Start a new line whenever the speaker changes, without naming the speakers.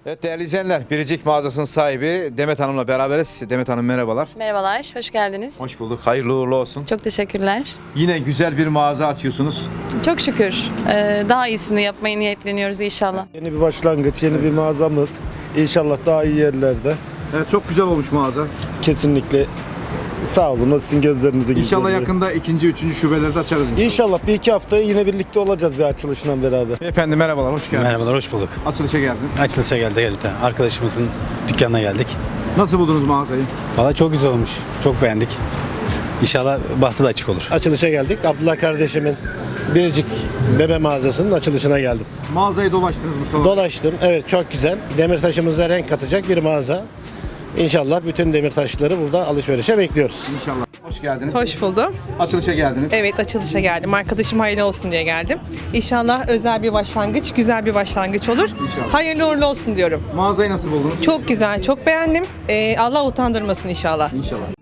Evet değerli izleyenler, Biricik mağazasının sahibi Demet Hanım'la beraberiz. Demet Hanım merhabalar.
Merhabalar, hoş geldiniz.
Hoş bulduk. Hayırlı uğurlu olsun.
Çok teşekkürler.
Yine güzel bir mağaza açıyorsunuz.
Çok şükür. Daha iyisini yapmayı niyetleniyoruz inşallah.
Yeni bir başlangıç, yeni bir mağazamız. İnşallah daha iyi yerlerde.
Evet çok güzel olmuş mağaza.
Kesinlikle sağ olun. O sizin gözlerinize güzel.
İnşallah yakında ikinci, üçüncü şubelerde açarız inşallah.
İnşallah bir iki hafta yine birlikte olacağız bir açılışla beraber.
Efendim merhabalar, hoş geldiniz.
Merhabalar, hoş bulduk.
Açılışa geldiniz.
Açılışa geldik. Arkadaşımızın dükkanına geldik.
Nasıl buldunuz mağazayı?
Valla çok güzel olmuş. Çok beğendik. İnşallah bahtı da açık olur.
Açılışa geldik. Abdullah kardeşimin Biricik bebe mağazasının açılışına geldim.
Mağazayı dolaştınız Mustafa.
Dolaştım. Evet, çok güzel. Demirtaşımıza renk katacak bir mağaza. İnşallah bütün demirtaşları burada alışverişe bekliyoruz.
İnşallah. Hoş geldiniz.
Hoş buldum.
Açılışa geldiniz.
Evet, açılışa geldim. Arkadaşım hayırlı olsun diye geldim. İnşallah özel bir başlangıç, güzel bir başlangıç olur.
İnşallah.
Hayırlı uğurlu olsun diyorum.
Mağazayı nasıl buldunuz?
Çok güzel, çok beğendim. Allah utandırmasın inşallah.
İnşallah.